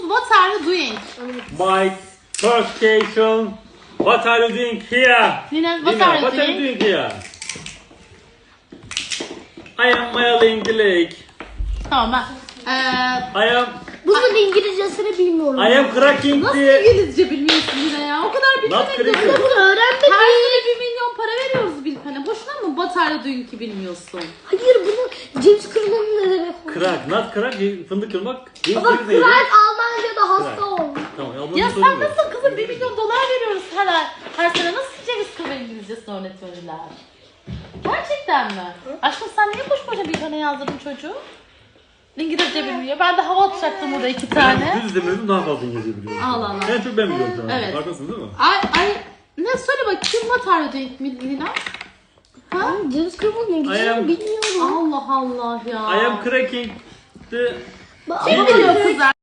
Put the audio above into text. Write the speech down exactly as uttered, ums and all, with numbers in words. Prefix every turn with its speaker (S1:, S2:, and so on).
S1: what are you doing?
S2: My first station. What are you doing here?
S1: Lina, what
S2: Lina,
S1: are you
S2: what are you
S1: doing?
S2: doing here? I am mailing the lake.
S1: Tamam ben. Ee,
S2: I am
S3: Bunun İngilizcesini bilmiyorum.
S2: I am cracking
S1: nasıl
S2: the
S1: İngilizce bilmiyorsun Lina ya? O kadar
S2: Not
S1: bilmemek
S2: cracking.
S1: yok.
S3: Bunu öğrendim.
S1: Her sene bir milyon para veriyoruz Bilkan'a. Boşuna mı what are you doing ki bilmiyorsun?
S3: Hayır bunu James kırmanın ne demek?
S2: crack, not crack, fındık kırmak.
S3: Ama
S2: Fındık neydi?
S3: Craig Almanca'da hasta
S2: Crack.
S3: oldu.
S2: Tamam, Almanca
S1: Ya sen
S2: söylemiyorum.
S1: nasıl kızım bir milyon dolar veriyoruz her ay. Her sene nasıl James Cook İngilizcesini öğretiyorlar? Gerçekten mi? Aşkım sen niye boş boşa Bilkan'a yazdırdın çocuğu? İngilizce bilmiyor. Ben de hava atacaktım burada iki tane.
S2: Ben düz demiyordum, daha fazla İngilizce biliyorum.
S1: Allah Allah.
S2: En çok ben biliyorum şu an.
S1: Evet.
S2: Farkındasın değil mi?
S1: Ay ay ne söyle bakayım what are you doing Lina? Ha?
S3: James kırmanın
S2: I
S3: İngilizcesini
S2: am-
S3: bilmiyorum.
S1: Allah Allah ya.
S2: I am cracking the
S3: Bak-
S1: Kim biliyor kızlar?